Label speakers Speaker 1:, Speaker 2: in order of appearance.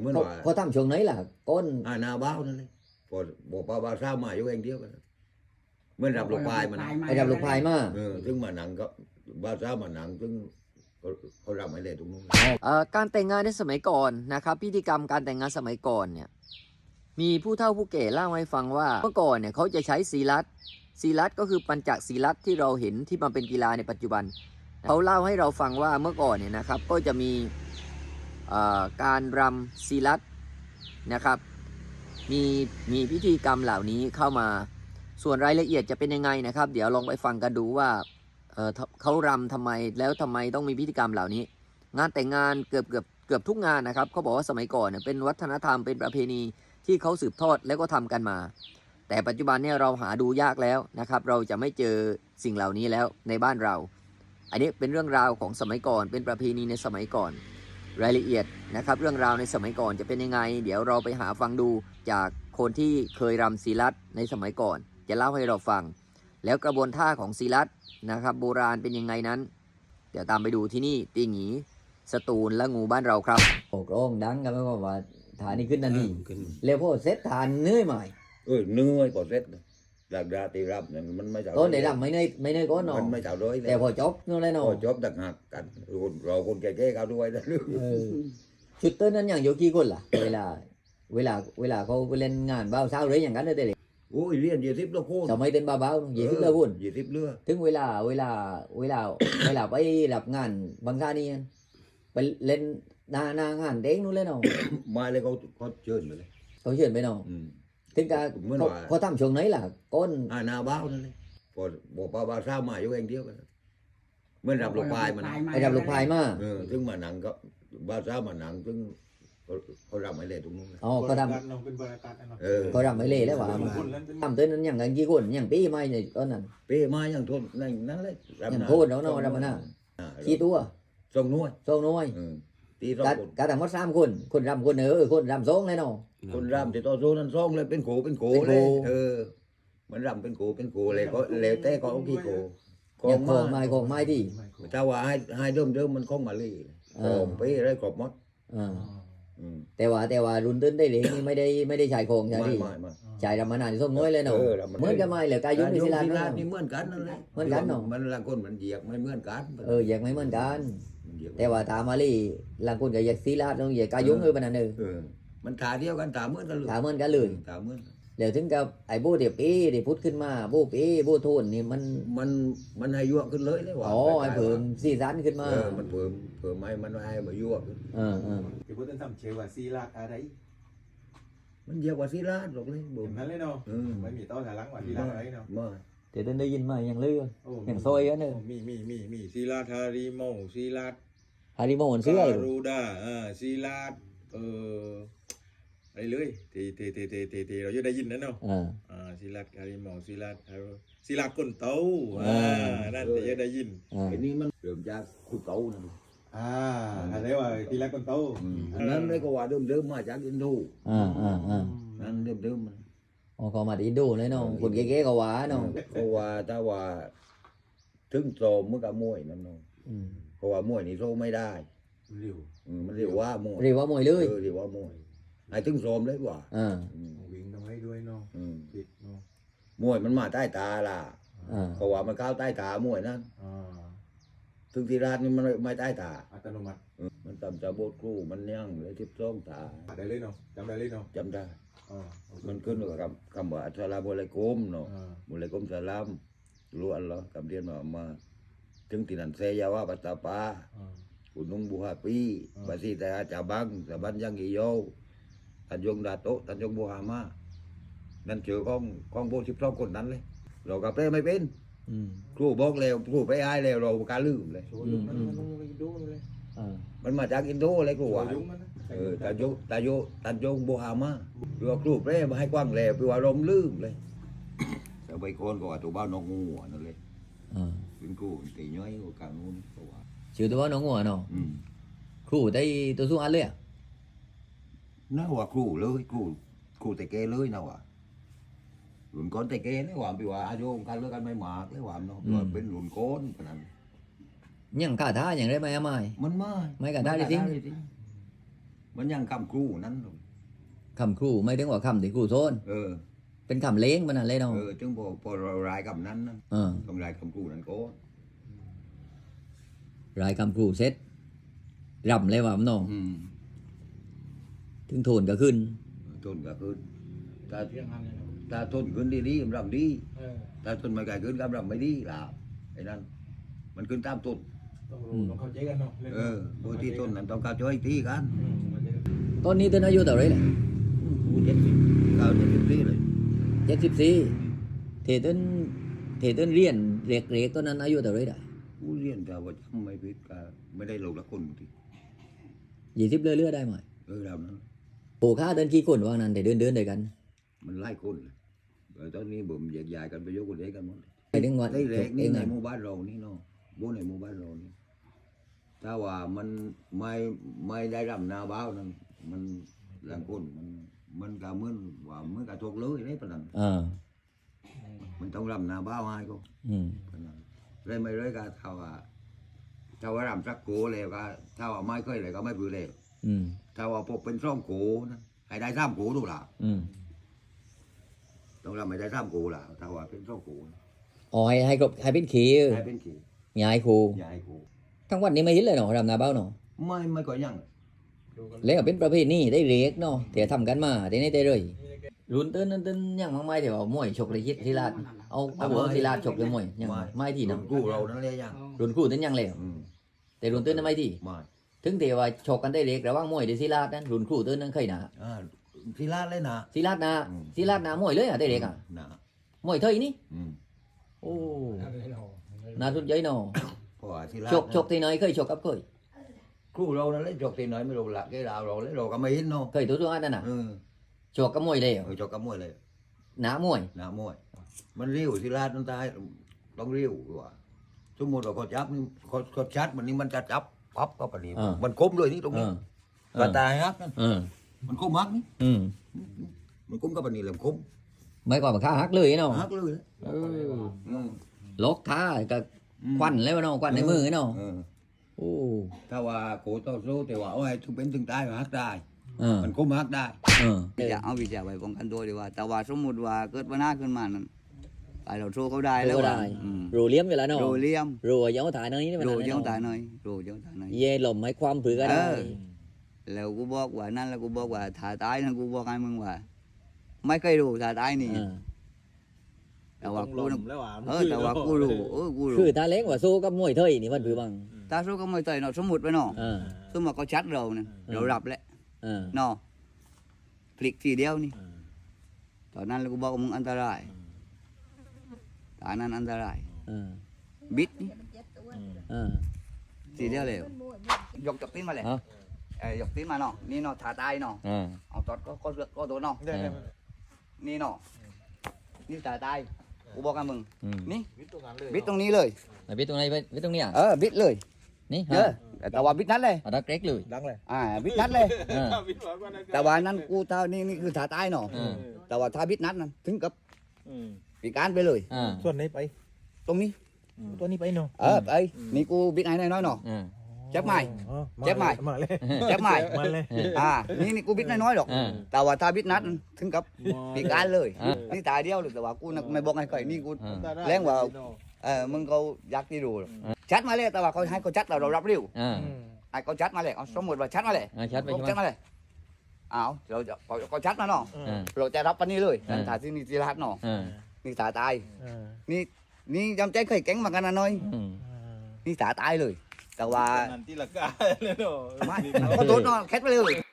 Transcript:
Speaker 1: เมื่อว่า
Speaker 2: เขาทำช่วงไหนล่ะก้น
Speaker 1: นาบ้าวนั่นเลยพอบอกป้าบ้าวเศร้ามาอยู่เองเดียวกันเมื่อรับลูกปลายมัน
Speaker 2: ไอ้ดับลูกพายมา
Speaker 1: ซึ่งมาหนังก็บ้าวเศร้ามาหนังซึ่งเขารับไม่เลยตรงนู้น
Speaker 3: การแต่งงานในสมัยก่อนนะครับพิธีกรรมการแต่งงานสมัยก่อนเนี่ยมีผู้เฒ่าผู้แก่เล่าให้ฟังว่าเมื่อก่อนเนี่ยเขาจะใช้ศีลัดก็คือปัญจศีลัดที่เราเห็นที่มันเป็นกีฬาในปัจจุบันเขาเล่าให้เราฟังว่าเมื่อก่อนเนี่ยนะครับก็จะมีการรำศีลัดนะครับมีพิธีกรรมเหล่านี้เข้ามาส่วนรายละเอียดจะเป็นยังไงนะครับเดี๋ยวลองไปฟังกันดูว่าเขารำทำไมแล้วทำไมต้องมีพิธีกรรมเหล่านี้งานแต่งงานเกือบทุกงานนะครับเขาบอกว่าสมัยก่อนเนี่ยเป็นวัฒนธรรมเป็นประเพณีที่เขาสืบทอดแล้วก็ทำกันมาแต่ปัจจุบันเนี่ยเราหาดูยากแล้วนะครับเราจะไม่เจอสิ่งเหล่านี้แล้วในบ้านเราอันนี้เป็นเรื่องราวของสมัยก่อนเป็นประเพณีในสมัยก่อนรายละเอียดนะครับเรื่องราวในสมัยก่อนจะเป็นยังไงเดี๋ยวเราไปหาฟังดูจากคนที่เคยรำศีลัดในสมัยก่อนจะเล่าให้เราฟังแล้วกระบวนท่าของศีลัดนะครับโบราณเป็นยังไงนั้นเดี๋ยวตามไปดูที่นี่ตีหงีสตูลและงูบ้านเราครับ
Speaker 2: โอ้โหดังกันไม่ว่าว่าฐานนี้ขึ้นนั่นนี่แล้วพอเสร็จฐานเหนื่อยไหม
Speaker 1: เนื้อพอเสร็จหลักดาตีรับเนี่ยมันไม่เจ้า
Speaker 2: ต้นไหนดำไม่เหนื่อยก้นเนาะ
Speaker 1: มันไม่เจ้าด้วย
Speaker 2: แต่พอจบนู่นเลยเนาะ
Speaker 1: พอจบดักหักกันเราคนแก่ๆเขาด้วยนะ
Speaker 2: ชุดเต้นนั้นอย่างโยกี่คนล่ะเวลาเขาไปเล่นงานบ้าวเช้าหรืออย่างนั้นได้เลย
Speaker 1: โอ้ยเรียน20แล้วโคตร
Speaker 2: สมัยเต้นบ้าวๆยี่สิบเลยคุณ
Speaker 1: 20เลือ
Speaker 2: ถึงเวลาไปรับงานบางท่านี่ไปเล่นหน้างานเด้งนู่นเลยเนาะ
Speaker 1: มาเลยเขาเชิญมาเลย
Speaker 2: เขาเชิญไปเนาะถึงกับเขาทำช่วงไหนล่ะก้น
Speaker 1: นาบ้าวนั่นเลยพอบอกป้าบ้าวเศร้ามาอยู่เองเดียวกันเมื่อรับลูกปลายมัน
Speaker 2: ไอ้ดับลูกพายมา
Speaker 1: ซึ่งมาหนังก็บ้าวเศร้ามาหนังซึ่งเขารับไม่เลยตรงนู้น
Speaker 2: อ๋อเขาทำ
Speaker 4: เป็นบริการเนาะ
Speaker 2: เขาทำไม่เละแล้วว่าทำเต้นนั้นอย่างกันกี่คนอย่างปีไม่เนี่ยก้นนั้น
Speaker 1: เป้มาอย่างทนนั่นเลย
Speaker 2: อย่างโทษเนาะรำนาขี้ตัว
Speaker 1: ส่งน้อย
Speaker 2: โซ่น้อย
Speaker 1: ตีสอง
Speaker 2: การทำมัด3 คนรำคนคนรำ2เลยเนาะ
Speaker 1: คนรำที่ต่อสู้นั้นส่งเลยเป็นโขเลยมันรำเป็นโขเลยก็แล้วแต่ก็เอาขี้โข
Speaker 2: อย่างของไม้ที่
Speaker 1: ถ้าว่าให้เดิมมันคงมาเลยของไปได้กรอบมด
Speaker 2: แต่ว่ารุ่นต้นได้เหลงนี่ไม่ได้ใช้ของใช่ไหมใช้รำมานานส้มน้อยเลยเนาะเหมือนกันไหมเหลือกายุมีศิลา
Speaker 1: นี่เหมือนกันนั่นแหละ
Speaker 2: เหมือนกันเนาะ
Speaker 1: มันละคนมันเหยียกไม่เหมือนกัน
Speaker 2: อยากไม่เหมือนกันแต่ว่าตามาลีหลังคนก็อยากศิลาต้องอยากกายุปนัน
Speaker 1: มันขาเดียวกันถามเหมือนกันเลย
Speaker 2: ถามเหมือนกันเลย
Speaker 1: ถามเหมือน
Speaker 2: เดี๋ยวถึงกับไอ้โบเดี๋ยวปีเดี๋ยวพุทธขึ้นมาโบปีโบโทนนี่
Speaker 1: มันให้ยั่วขึ้นเลยเลยว่า
Speaker 2: อ๋อไอ้เพิ่มสีสันขึ้นมา
Speaker 1: มันเพิ่มไม่มันให้มายั่วขึ้น
Speaker 4: ที่พูดถึงทำเชว่าซีลาดอะไร
Speaker 1: มันเยอะกว่าศิลาหรอกเลย
Speaker 4: เห็นนั้นเลยเนาะไม่มีต้นหลังว่าซีลาดอะไรเนาะ
Speaker 1: มา
Speaker 2: เดี๋ยวได้ยินมาอย่างเลื่อนอย่างซอยกันเนอะ
Speaker 4: มีซีลาดฮาริโมซีลาด
Speaker 2: ฮาริโมนเสื้อ
Speaker 4: รูดาซีลาดอะไรเลยที่เราจะได้ยินนั่นเนาะซีลาดฮาริโมซีลาดก้นเต้านั่นจะได้ยิน
Speaker 1: ไอ้นี่มันเริ่มจากคุเก่านั่น
Speaker 4: อะไรว่าซีลาดก้นเต้า
Speaker 1: นั่นเลยก็ว่าเดิมมาจากอินโดนั่นเดิมมัน
Speaker 2: อ๋อเขามาที่ดูเลยเนาะคนเก๋ๆก็ว่าเนาะ
Speaker 1: ก็ว่าถ้าว่าถึงโซมมันก็มวยนั่นเนาะเพราะว่ามวยนี่โซไม่ได้
Speaker 4: เร็ว
Speaker 1: มันเรียกว่ามวย
Speaker 2: เรียกว่ามวยเลย
Speaker 1: เรียกว่ามวยไอ้ถึงโซมเลยกว่า
Speaker 4: วิ่งต้องให้ด้วยเนาะติดเนาะ
Speaker 1: มวยมันมาใต้ตาล่ะเพราะว่ามันเข้าใต้ตามวยนั่นถึงที่ร้านนี่มันไม่ใต้ตา
Speaker 4: อัตโนมัติ
Speaker 1: มันตำจะโบดครูมันยั่งเลย12 ตา
Speaker 4: ได้เลยเนาะจำได้เลยเนาะ
Speaker 1: จำได้มันขึ้นกับคำว่าอัสลามุอะลัยกุมเนาะมุอะลัยกุมสลามรู้อัลลอฮ์คำเรียนมาถึงที่นั่นเซยาวะปัตตาปาGunung Buhapi Basi Teh Cabang Sabanjang Hijau Tanjung Datuk Tanjung Buhama นั่นเจอของโบ12 คนนั้นเลยเรากับเป้ไม่เป็นครูบอกแล้วครูไปอายแล้วเราการลืมเลยมันมาจากอินโดเลยครูว่าTanjung Buhama คือว่าครูเป้มาให้กว้างแล้วคือว่าลมลืมเลยแต่ใบคนก็ว่าตัวบ้านนกงูนั่นเลยเป็นครูตีน้อยกว่าการนู้นก็ว่า
Speaker 2: ชื่อตัวน้องหัวเนาะครูได้ตัวสู้อันเลย
Speaker 1: น่าว่าครูเลยครูแต่แกเลยนะว่าหลุนก้อนแต่แกเลยว่าไปว่าอายุการเลิกกันไม่หมากเลยว่าเนาะว่าเป็นหลุนก้อนขนาด
Speaker 2: ยังข้าท่าอย่างไรไหมไม่
Speaker 1: มัน
Speaker 2: ไม่กันได้จริง
Speaker 1: มันยังคำครูนั้น
Speaker 2: คำครูไม่ถึงว่าคำที่ครูโซน เป็นคำเล้งมันอะไรเนาะ
Speaker 1: ถึงพอเรารายคำนั้นนะ ต้องรายคำครูนั้นก็
Speaker 2: รายคำครูเสร็จรำเลยว่ามันเนาะถึงโทนก็ขึ้น
Speaker 1: ต้นก็ขึ้นถ้า
Speaker 4: เรื่องนั้นเลยนะ
Speaker 1: ถ้าต้นขึ้นดีๆรำดีถ้าต้นไม่ไกลขึ้นก็รำไม่ดีล่ะไอ้นั่นมันขึ้นตามต้น
Speaker 4: ต้องรู้ต้องเข้าใจกันเนาะ
Speaker 1: โดยที่ต้นนั้นต้องการช่วยตีกัน
Speaker 2: ตอนนี้ต้นอายุเท่าไหรล่ะ
Speaker 1: กู70 90 70เลย
Speaker 2: 74เทต้นเรียนเล็กๆตอนนั้นอายุเท่าไหรได้
Speaker 1: กูเรียนแต่ว่าจำไม่ผิดก็ไม่ได้ลงละคนที
Speaker 2: 20เรื่อยๆได้ไหม
Speaker 1: เรานั้น
Speaker 2: โปค่าเดินกี่คนว่านั้นแต่เดินด้วยกัน
Speaker 1: มันไล่คนเลยตอนนี้ผมแยกย้ายกันไปยกคนเล็กกันหมด
Speaker 2: ไปถึงวัน
Speaker 1: ได้เล็กนี่
Speaker 2: เอง
Speaker 1: ใน
Speaker 2: อะ
Speaker 1: หมู่บ้านเรานี่เนาะบูในหมู่บ้านเรานี่ถ้าว่ามันไม่ได้รำนาบ้าวนั่นมันหลังคนมันก็เหมือนว่ามันก็ถูกเลยได้ปะนั้น มันต้องรำนาบ้าวให้ก็
Speaker 2: อืม
Speaker 1: ปะนั้นเลยไม่เลยก็ถ้าว่ารำสักโกเลยก็ถ้าว่าไม่เคยเลยก็ไม่ปือเลย
Speaker 2: อืม
Speaker 1: ถ้าว่าพวกเป็นซ่องโกนะให้ได้3 โกถูกหล่ะ
Speaker 2: อืม
Speaker 1: ต้องรำให้ได้3 โกล่ะถ้าว่าเป็นซ่องโกนะ
Speaker 2: อ๋อให้ครบให้เป็นขี
Speaker 1: ให้เป็นขี่
Speaker 2: ยายครู
Speaker 1: ยายโก
Speaker 2: ทั้งวันนี้ไม่เห็นเลยเนาะรำนาเบ้าเนาะ
Speaker 1: ไม่ก็ยัง
Speaker 2: แล้วก็เป็นประเภทนี้ได้เล็กเนาะแต่ทำกันมาแต่นี่ได้เลยรุ่นเต้นยังมากไม่แต่ว่ามวยฉกเลยคิดทีลาดเอาหัวทีลาดฉกเลยมวยยังไม่ที่เนาะ
Speaker 1: กูเรานั่นเลยยัง
Speaker 2: รุ่นครูเต้นยังเลยแต่รุ่นเต้นนั้นไม่ที่
Speaker 1: ไม่
Speaker 2: ถึงแต่ว่าฉกกันได้เล็กระหว่างมวยกับทีลาดนั้นรุ่นครูเต้นนั้นเคยหนา
Speaker 1: ทีลาดเลยนะ
Speaker 2: ทีลาดนะทีลาดนะมวยเลยอ่ะได้เล็กอ่ะ
Speaker 1: นะ
Speaker 2: มวยเท่านี้
Speaker 1: อืม
Speaker 2: โอ้น่าสนใจเนาะ
Speaker 1: เพราะว่าทีลาด
Speaker 2: ฉกที่ไหนเคยฉกกับเคย
Speaker 1: ครูเรานั่นเลยจกทีไหนไม่รู้ละแกเราเลยเราก็ไม่เห็นเนาะ
Speaker 2: เคยตัวนั่นน่ะฉกกับมวยเลย
Speaker 1: จกกับมวยเลย
Speaker 2: หนามวย
Speaker 1: นะมวย มันเรียวทีลาดนั่นตายต้องเรียวว่าสมมติว่าเขาจับนี่เขาชัดมันนี่มันจะจับปั๊บก็ปะนี่มันคมเลยนี่ตรงนี้กระตายฮักนั่นมันคมฮักนี่มันคมก็ปะนี่แหละคม
Speaker 2: ไม่กว่าข้าฮักเลยเนาะ
Speaker 1: ฮักเลย
Speaker 2: ล็อกขากับควันแล้วเนาะควันในมือเนาะโอ้
Speaker 1: ถ้าว่าโกต่อสู้แต่ว่าเอาให้ถึงเป็นถึงตายก็ฮักได้ มันคมฮักได้
Speaker 5: จะเอาวิชาไว้ป้องกันตัวดีกว่า แต่ว่าสมมุติว่าเกิดปัญหาขึ้นมานั้นไปเราสู้เขาได้แล้ว
Speaker 2: ได้รูเลี้ยมอยู่แล้วเนาะ
Speaker 5: โรเลียม
Speaker 2: รูเย้าถ่ายเนยนี่
Speaker 5: โรเย้าตายหน่อยโรเย้าตายหน่อย
Speaker 2: เย่หล่มให้ความผือก็ได้
Speaker 5: แล้วกูบอกว่านั่นแล้วกูบอกว่าถ้าตายนั่นกูบอกให้มึงว่า ไม่เคยรู้ถ้าตายนี่แต่ว่ากูน่ะแต่ว่ากูรู้กูรู้
Speaker 2: คือตาเล็กว่าสู้กับมวยเทยนี่มันผือบัง
Speaker 5: ถ้าสู้ก็ไม่ต่อยเนาะสมมุติไปเนาะสมมุติเขาชัดเราเนี่ยเรารับแล้วเนาะพลิกทีเดียวนี่ตอนนั้นแล้วกูบอกว่ามึงอันตรายตอนนั้นอันตรายบิดนี่ทีเดียวเลยยกจับตีนมาเลยยกตีนมาเนาะนี่เนาะถ่าตายเนาะเอาตอดก็ตัวเนาะนี่เนาะนี่ถ่าตายกูบอกกับมึงนี่บิดตรงนี้เลย
Speaker 2: บิดตรงไหนบิดตรงนี้อ่ะ
Speaker 5: บิดเลย
Speaker 2: นี่
Speaker 5: แต่ว่าบิดนั้นเลย
Speaker 2: เอาดักเล็กเลย
Speaker 4: ดังเลย
Speaker 5: บิดนั้นเลยแต่ว่านั้นกูเท่านี่คือถ่าตายเนาะแต่ว่าถ้าบิดนั้นนั่นถึงกับปีการไปเลย
Speaker 4: ส่วนไหนไป
Speaker 5: ตรงนี้
Speaker 4: ตัวนี้ไปเนาะ
Speaker 5: ไปนี่กูบิดไหนน้อยๆเนาะเจ็บไหม
Speaker 4: มาเลย
Speaker 5: เจ็บไหม
Speaker 4: มาเลย
Speaker 5: นี่กูบิดน้อยๆหรอกแต่ว่าถ้าบิดนัดถึงกับปีการเลยนี่ตายเดียวเลยแต่ว่ากูไม่บอกให้ใครนี่กูแรงว่ามึงเขาอยากที่ดูชัดมาเลยแต่ว่าเขาให้เขาชัดเรารับเร็วไอ้เขาชัดมาเลยสมมติว่าชัดมาเลย
Speaker 2: ชัดไป
Speaker 5: ชัดมาเลยเราจะเขาชัดมาเนาะเราจะรับปันนี้เลยถ่ายที่นี่ที่รัดเนาะนี่ตายตายนี่จำใจเคยแก๊งมากันนะน้อยนี่ตายตายเลยแต่ว่า
Speaker 4: นันที่ละกาเลยเนาะ
Speaker 5: ไม่ก็โดนเนาะแคทไปเลย